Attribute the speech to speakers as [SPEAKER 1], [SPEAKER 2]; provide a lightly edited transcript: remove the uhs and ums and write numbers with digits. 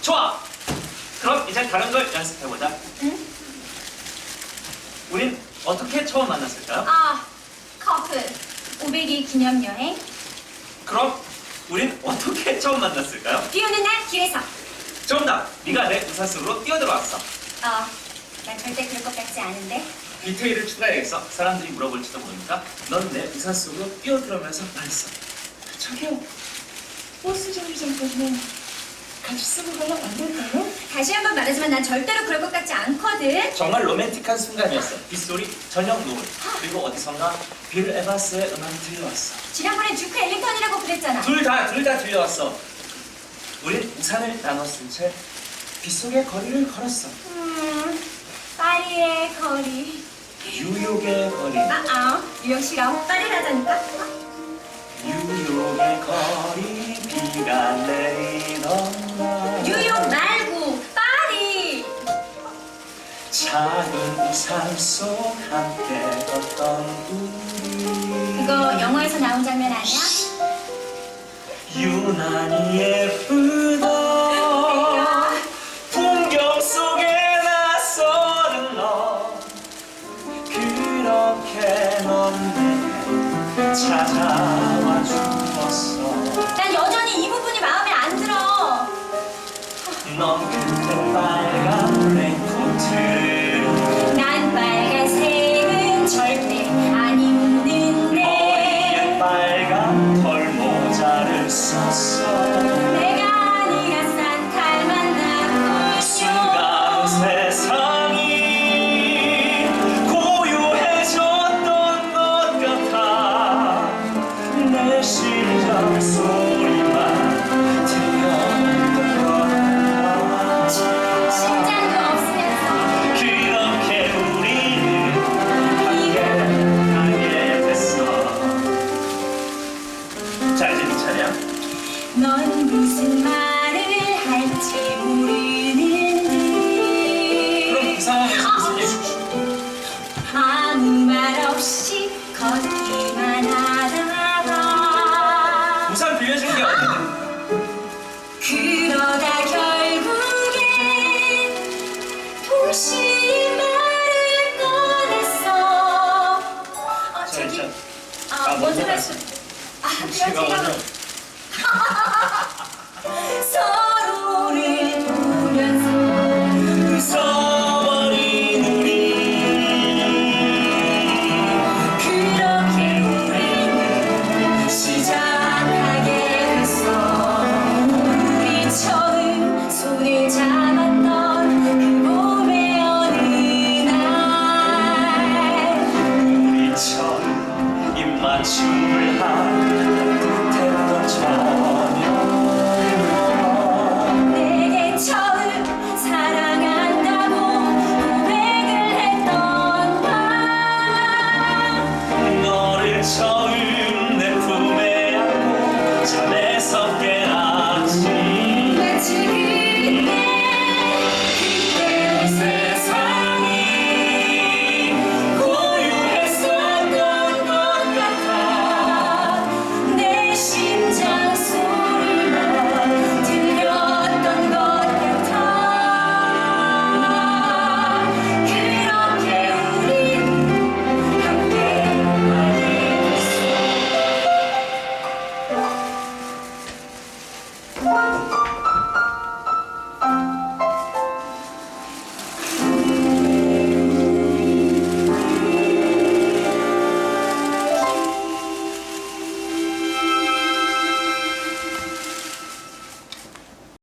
[SPEAKER 1] 좋아. 그럼 이제 다른 걸 연습해보자.
[SPEAKER 2] 응?
[SPEAKER 1] 우린 어떻게 처음 만났을까요?
[SPEAKER 2] 아, 커플. 500일 기념여행.
[SPEAKER 1] 그럼 우린 어떻게 처음 만났을까요?
[SPEAKER 2] 비 오는 날 길에서.
[SPEAKER 1] 정답! 네가 내 우산 속으로 뛰어들어왔어.
[SPEAKER 2] 난 절대 그럴 것 같지 않은데.
[SPEAKER 1] 디테일을 추가해야겠어. 사람들이 물어볼지도 모르니까 넌 내 우산 속으로 뛰어들어오면서 말했어. 저기요, 버스 정류장까지 같이 쓰고 가면 안 될까요?
[SPEAKER 2] 다시 한 번 말하지만 난 절대로 그럴 것 같지 않거든.
[SPEAKER 1] 정말 로맨틱한 순간이었어. 빗소리, 저녁 노을, 그리고 어디선가 빌 에반스의 음악이 들려왔어.
[SPEAKER 2] 지난번엔 듀크 엘링턴이라고 그랬잖아.
[SPEAKER 1] 둘 다 들려왔어. 우린 우산을 나눠 쓴 채 빗속의 거리를 걸었어.
[SPEAKER 2] 파리의 거리.
[SPEAKER 1] 뉴욕의 거리.
[SPEAKER 2] 뉴욕 싫어. 파리라자니까.
[SPEAKER 1] 뉴욕의 거리, 비가 내리던 날.
[SPEAKER 2] 뉴욕 말고 파리.
[SPEAKER 1] 작은 우산 속 함께 걷던 우리.
[SPEAKER 2] 그거 영화에서 나온 장면 아니야?
[SPEAKER 1] 유난히 예쁘던 풍경 속에 낯서는 너. 그렇게 넌 내게 찾아와 주었어.
[SPEAKER 2] 난 여전히 이 부분이 마음에 안 들어.
[SPEAKER 1] 넌 그때 빨간 레인코트를
[SPEAKER 2] 난 빨간색은 절대 안 입는데.
[SPEAKER 1] 머리에 빨간 털모자를 썼어.
[SPEAKER 2] 내가 네가 산타를 만나고
[SPEAKER 1] 순간 세상이 고요해졌던 것 같아. 내 심장 소리만 들렸던 것 같아.
[SPEAKER 2] 심장도 없으면서.
[SPEAKER 1] 그렇게 우리는 함께 됐어. 자, 이제 네 차례야.
[SPEAKER 2] 넌 무슨 말을 할지
[SPEAKER 1] 그럼
[SPEAKER 2] 모르는데
[SPEAKER 1] 그 상황에서 무슨 얘기?
[SPEAKER 2] 아무 말 없이 걷기만 하다가
[SPEAKER 1] 우산 빌려주는 게 어딘데?
[SPEAKER 2] 그러다 결국엔 동시에 말을 꺼냈어. 저기 먼저 할 수.
[SPEAKER 1] 제가 먼저.
[SPEAKER 2] 서로를 보면서
[SPEAKER 1] 웃어버린 우리.
[SPEAKER 2] 그렇게 우리는 시작하게 됐어. 우리 처음 손을 잡았던 그 봄의 어느 날.
[SPEAKER 1] 우리 처음 입맞춤을 한 듯했던 저녁.
[SPEAKER 2] 내게 처음 사랑한다고 고백을 했던 밤.
[SPEAKER 1] 너를 처음 내 품에 안고 잠에서 깨났지.
[SPEAKER 2] 마치 그때
[SPEAKER 1] 세상이 고요했었던 것 같아.
[SPEAKER 2] 내 심장 소리만 들렸던 것 같아. 그렇게 우린 함께하게 됐어.